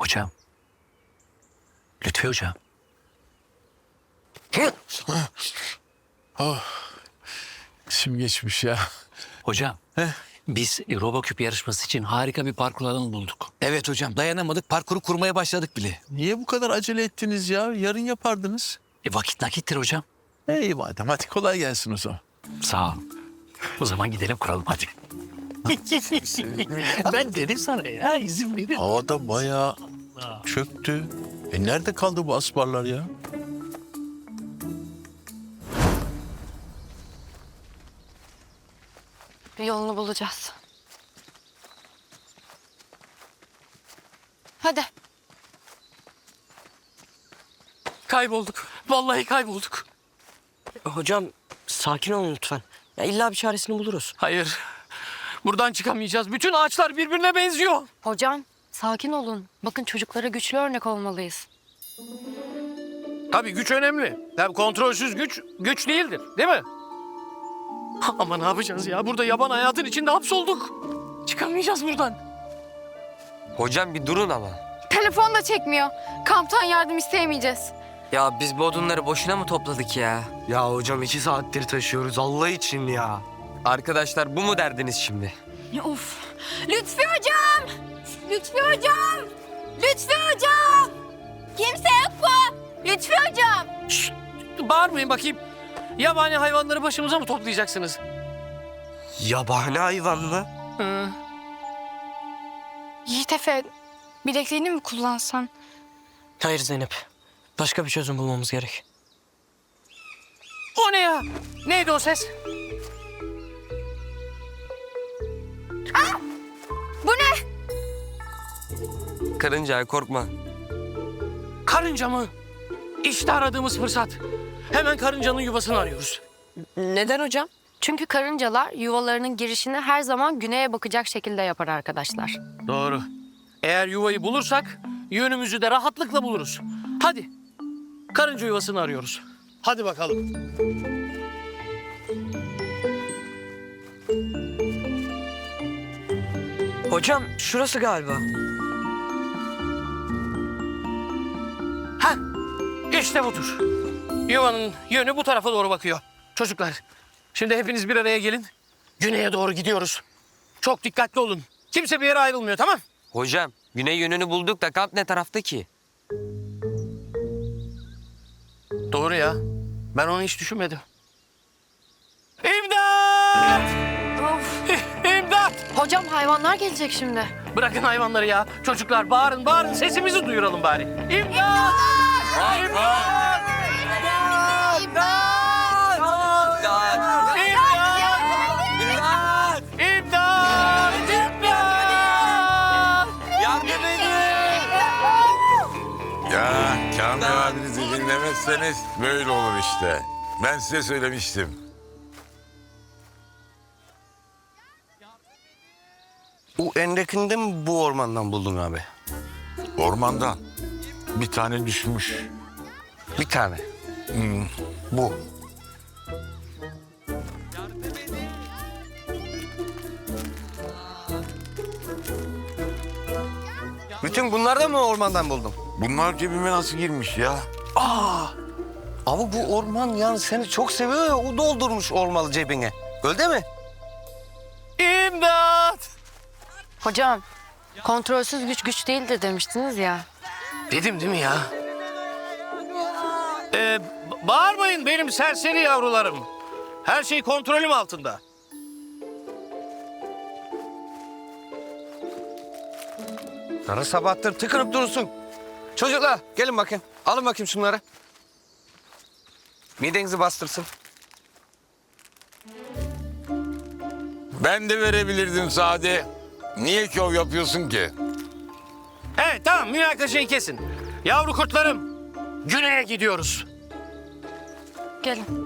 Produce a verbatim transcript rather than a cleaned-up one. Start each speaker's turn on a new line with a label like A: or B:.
A: Hocam. Lütfi hocam.
B: Oh. İçim geçmiş ya.
A: Hocam.
B: Heh.
A: Biz Roboküp yarışması için harika bir parkur alanı bulduk.
C: Evet hocam, dayanamadık, parkuru kurmaya başladık bile.
B: Niye bu kadar acele ettiniz ya? Yarın yapardınız.
A: E, vakit nakittir hocam.
B: İyi madem, hadi kolay gelsin o zaman.
A: Sağ ol. O zaman gidelim kuralım hadi. Ben dedim sana ya, izin verin.
B: Havada bayağı çöktü. E nerede kaldı bu asparlar ya?
D: Bir yolunu bulacağız. Hadi.
E: Kaybolduk. Vallahi kaybolduk.
F: Hocam sakin olun lütfen. Ya illa bir çaresini buluruz.
E: Hayır. Buradan çıkamayacağız. Bütün ağaçlar birbirine benziyor.
D: Hocam sakin olun. Bakın çocuklara güçlü örnek olmalıyız.
E: Tabii güç önemli. Tabii kontrolsüz güç, güç değildir. Değil mi? Ama ne yapacağız ya? Burada yaban hayatın içinde hapsolduk. Çıkamayacağız buradan.
G: Hocam bir durun ama.
D: Telefon da çekmiyor. Kamptan yardım isteyemeyeceğiz.
G: Ya biz bu odunları boşuna mı topladık ya?
F: Ya hocam iki saattir taşıyoruz Allah için ya.
G: Arkadaşlar bu mu derdiniz şimdi?
D: Of. Lütfi hocam. Lütfi hocam. Lütfi hocam. Kimse yok mu? Lütfi hocam.
E: Şşt, bağırmayın bakayım. Yabani hayvanları başımıza mı toplayacaksınız?
F: Yabani hayvan mı?
E: Hı.
D: Yiğit Efe, bilekliğini mi kullansan?
F: Hayır Zeynep. Başka bir çözüm bulmamız gerek.
E: O ne ya? Neydi o ses?
D: Bu ne?
G: Karınca korkma.
E: Karınca mı? İşte aradığımız fırsat. Hemen karıncanın yuvasını arıyoruz.
F: Neden hocam?
D: Çünkü karıncalar yuvalarının girişini her zaman güneye bakacak şekilde yapar arkadaşlar.
E: Doğru. Eğer yuvayı bulursak yönümüzü de rahatlıkla buluruz. Hadi. Karınca yuvasını arıyoruz. Hadi bakalım.
F: Hocam şurası galiba.
E: Ha, işte budur. Yuvanın yönü bu tarafa doğru bakıyor. Çocuklar, şimdi hepiniz bir araya gelin. Güneye doğru gidiyoruz. Çok dikkatli olun. Kimse bir yere ayrılmıyor, tamam?
G: Hocam güney yönünü bulduk da kamp ne tarafta ki?
E: Doğru ya. Ben onu hiç düşünmedim. İmdat!
D: Of.
E: İmdat!
D: Hocam hayvanlar gelecek şimdi.
E: Bırakın hayvanları ya. Çocuklar bağırın, bağırın. Sesimizi duyuralım bari. İmdat! İmdat! İmdat! İmdat! İmdat! İmdat! İmdat!
G: Yardım edin!
H: Ya Kamil abinizi dinlemezseniz böyle olur işte. Ben size söylemiştim.
I: Bu endekinde mi bu ormandan buldun abi?
H: Ormandan bir tane düşmüş.
I: Bir tane.
H: Bu.
I: Bütün bunları da mı ormandan buldun?
H: Bunlar cebime nasıl girmiş ya?
I: Ama bu orman yani seni çok seviyor ya, o doldurmuş olmalı cebine. Öyle mi?
E: İmdat!
D: Hocam, kontrolsüz güç güç değildir demiştiniz ya.
E: Dedim değil mi ya? Ee, ba- bağırmayın benim serseri yavrularım. Her şey kontrolüm altında.
I: Kara sabahtır tıkınıp durursun. Çocuklar gelin bakayım. Alın bakayım şunları. Midenizi bastırsın.
H: Ben de verebilirdim Sade. Niye şov yapıyorsun ki?
E: Evet tamam münakaşayı kesin. Yavru kurtlarım güneye gidiyoruz.
D: Gelin.